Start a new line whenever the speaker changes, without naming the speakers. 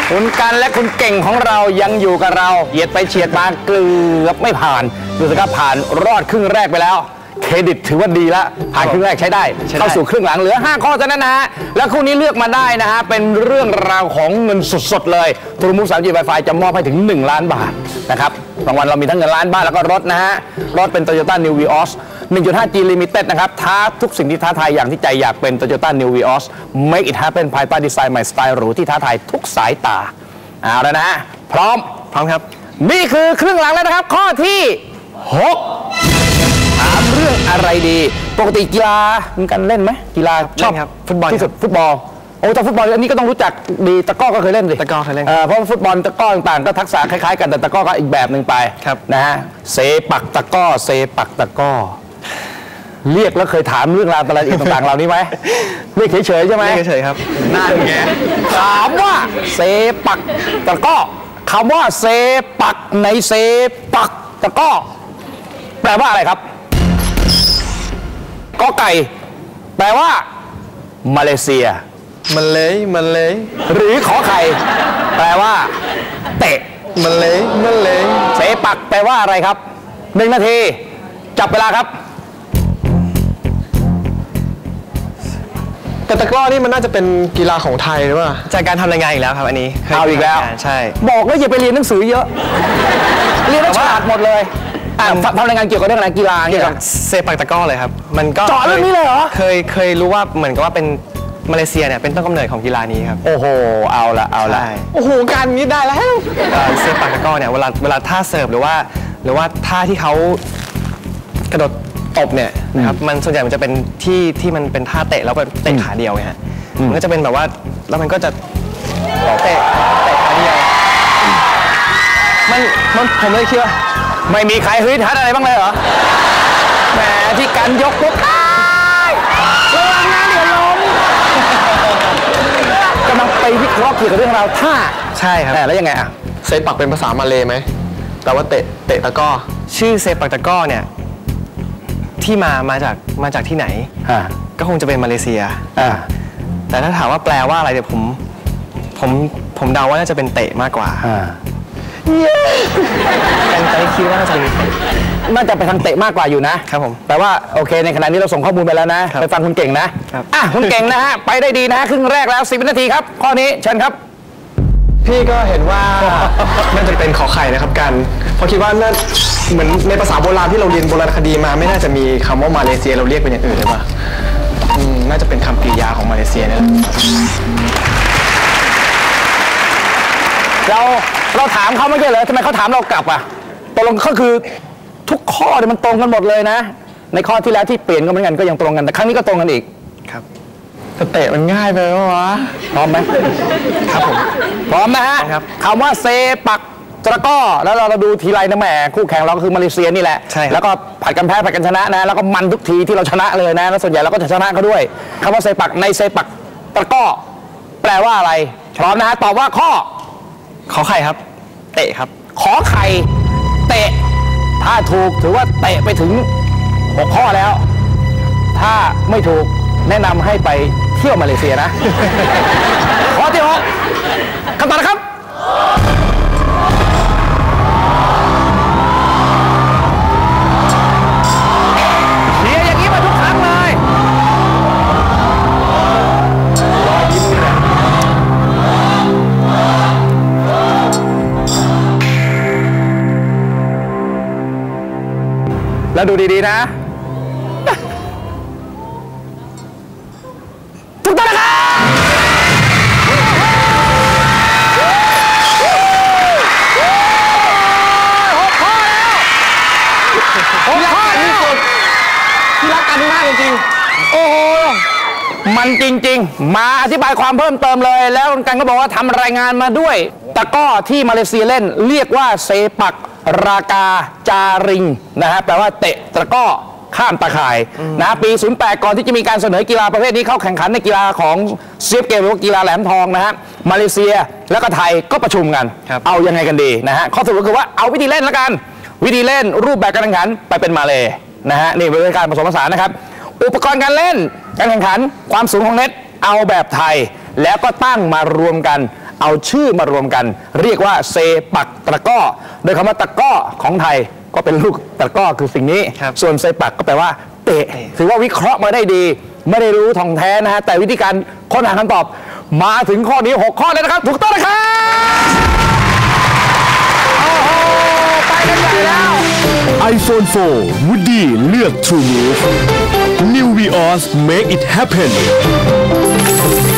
คุณกันและคุณเก่งของเรายังอยู่กับเราเหยียดไปเฉียดมาเกือบไม่ผ่านดูสิครับผ่านรอดครึ่งแรกไปแล้วเครดิตถือว่าดีแล้วผ่านครึ่งแรกใช้ได้เข้าสู่ครึ่งหลังเหลือ5ข้อเท่านั้นนะฮะแล้วคู่นี้เลือกมาได้นะฮะเป็นเรื่องราวของเงินสดๆเลยทรูมูฟ 3G Wi-Fi จะมอบให้ถึง1 ล้านบาทนะครับรางวัลเรามีทั้งเงินล้านบาทแล้วก็รถนะฮะรถเป็น Toyota New Vios 1.5G Limited นะครับท้าทุกสิ่งที่ท้าทายอย่างที่ใจอยากเป็น Toyota New Vios Make it happen ภายใต้ดีไซน์ใหม่สไตล์หรูที่ท้าทายทุกสายตาเอาแล้วนะฮะพร้อมครับนี่คือครึ่งหลังแล้วนะครับข้อที่6ถามเรื่องอะไรดีปกติกีฬามีการเล่นไหมกีฬาชอบครับฟุตบอลที่สุดฟุตบอลโอ้แต่ฟุตบอลอันนี้ก็ต้องรู้จักดีตะก้อก็เคยเล่นสิตะก้อเคยเล่นเพราะฟุตบอลตะก้อต่างๆก็ทักษะคล้ายๆกันแต่ตะก้อก็อีกแบบหนึ่งไปนะฮะเซปักตะก้อเซปักตะก้อเรียกแล้วเคยถามเรื่องราวอะไรอีกต่างๆเหล่านี้ไหมเรียกเฉยๆใช่ไหมเฉยๆครับน่าแง่ถามว่าเซปักตะก้อคำว่าเซปักในเซปักตะก้อแปลว่าอะไรครับกอไก่แปลว่ามาเลเซียมันเลยหรือขอไข่แปลว่าเตะมันเลยเสปักแปลว่าอะไรครับ1 นาทีจับเวลาครับ
แต่ตะกร้อนี่มันน่าจะเป็นกีฬาของไทยหรือเปล่าจากการทำรายงานอีกแล้วครับอันนี้
เอาอีกแล้ว
ใช่
บอกแล้วอย่าไปเรียนหนังสือเยอะเรียนฉลาดหมดเลยทำรายงานเกี่ยวกับเรื่องอะไรกีฬาเกี่ยวกับ
เซปักตะก้อเลยครับมันก็
เจาะเรื่องนี้เลยเหรอ
เคยรู้ว่าเหมือนกับว่าเป็นมาเลเซียเนี่ยเป็นต้นกำเนิดของกีฬานี้ครับ
โอ้โหเอาละ
โอ้โหการนี้ได้แล้วเซปักตะก้อเนี่ยเวลาท่าเสิร์ฟหรือว่าท่าที่เขากระโดดตบเนี่ยนะครับมันส่วนใหญ่มันจะเป็นที่มันเป็นท่าเตะแล้วเป็นเตะขาเดียวไงฮะมันก็จะเป็นแบบว่าแล้วมันก็จะเตะขาเดียวมันผมเลยคิดว่า
ไม่มีใครฮึดฮัดอะไรบ้างเลยเหรอแหมที่กันยกปุ๊บระวังนะเดี๋ยวล้มกำลังไปวิเคราะห์เกี่ยวกับเรื่องราวท่า
ใช่ครับ
แล้วยังไงอะ
เซปักเป็นภาษามาเลย์ไหมแต่ว่าเตะตะก้อชื่อเซปักตะก้อเนี่ยที่มาจากที่ไหนก็คงจะเป็นมาเลเซียแต่ถ้าถามว่าแปลว่าอะไรเดี๋ยวผมเดาว่าน่าจะเป็นเตะมากกว่าแต่คิดว่าน่า
จะไปทางเตะมากกว่าอยู่นะครับผมแต่ว่าโอเคในขณะนี้เราส่งข้อมูลไปแล้วนะไปฟังคุณเก่งนะคุณเก่งนะฮะไปได้ดีนะครึ่งแรกแล้ว10 วินาทีครับข้อนี้เชิญครับ
พี่ก็เห็นว่าน่าจะเป็นขอไข่นะครับกันเพราะคิดว่าน่าเหมือนในภาษาโบราณที่เราเรียนโบราณคดีมาไม่น่าจะมีคำว่ามาเลเซียเราเรียกเป็นอย่างอื่นเลยป่ะน่าจะเป็นคำกริยาของมาเลเซียนี่แหละ
เราถามเขาไม่ใช่เหรอทำไมเขาถามเรากลับอ่ะตกลงก็คือทุกข้อเนี่ยมันตรงกันหมดเลยนะในข้อที่แล้วที่เปลี่ยนก็เหมือนกันก็ยังตรงกันแต่ครั้งนี้ก็ตรงกันอีก
ครับเตะมันง่ายไปไหมวะ
พร้อมไหม
ครับผม
พร้อมนะฮะคำว่าเซปักตะก้อแล้วเราดูทีไรนะแหมคู่แข่งเราก็คือมาเลเซียนี่แหละแล้วก็ผัดกันแพ้ผัดกันชนะนะแล้วก็มันทุกทีที่เราชนะเลยนะแล้วส่วนใหญ่เราก็จะชนะเขาด้วยคำว่าเซปักในเซปักตะก้อแปลว่าอะไรพร้อมนะฮะตอบว่าข้อ
ขอไข่ครับเตะครับ
ขอไข่เตะถ้าถูกถือว่าเตะไปถึง6 ข้อแล้วถ้าไม่ถูกแนะนำให้ไปเที่ยวมาเลเซียนะข้อที่6คำตอบนะครับเชียร์อย่างนี้มาทุกครั้งเลยรอยยิ้มนี่แหละแล้วดูดีๆนะถูกต้องนะครับ6 ข้อแล้ว6 ข้อที่สุดที่รักกันมากจริงๆโอ้โหมันจริงๆมาอธิบายความเพิ่มเติมเลยแล้วกันก็บอกว่าทำรายงานมาด้วยตะก้อที่มาเลเซียเล่นเรียกว่าเซปักรากาจาริงนะฮะแปลว่าเตะตะก้อข้ามตะข่ายนะปี08ก่อนที่จะมีการเสนอกีฬาประเภทนี้เข้าแข่งขันในกีฬาของเซียบเกมหรือกีฬาแหลมทองนะฮะมาเลเซียแล้วก็ไทยก็ประชุมกันเอายังไงกันดีนะฮะข้อสรุปก็คือว่าเอาวิธีเล่นแล้วกันวิธีเล่นรูปแบบการแข่งขันไปเป็นมาเลนะฮะนี่เป็นการผสมผสานนะครับอุปกรณ์การเล่นการแข่งขันความสูงของเน็ตเอาแบบไทยแล้วก็ตั้งมารวมกันเอาชื่อมารวมกัน เรียกว่าเซปักตะกร้อโดยคำว่าตะกร้อของไทยก็เป็นลูกตะกร้อคือสิ่งนี้ส่วนเซปักก็แปลว่าเตะถือว่าวิเคราะห์มาได้ดีไม่ได้รู้ท่องแท้นะฮะแต่วิธีการค้นหาคำตอบมาถึงข้อนี้6ข้อแล้วนะครับถูกต้องนะครับโอ้โหไปกันใหญ่แล้ว
iPhone 4 Woody เลือก True Move New Vios Make it happen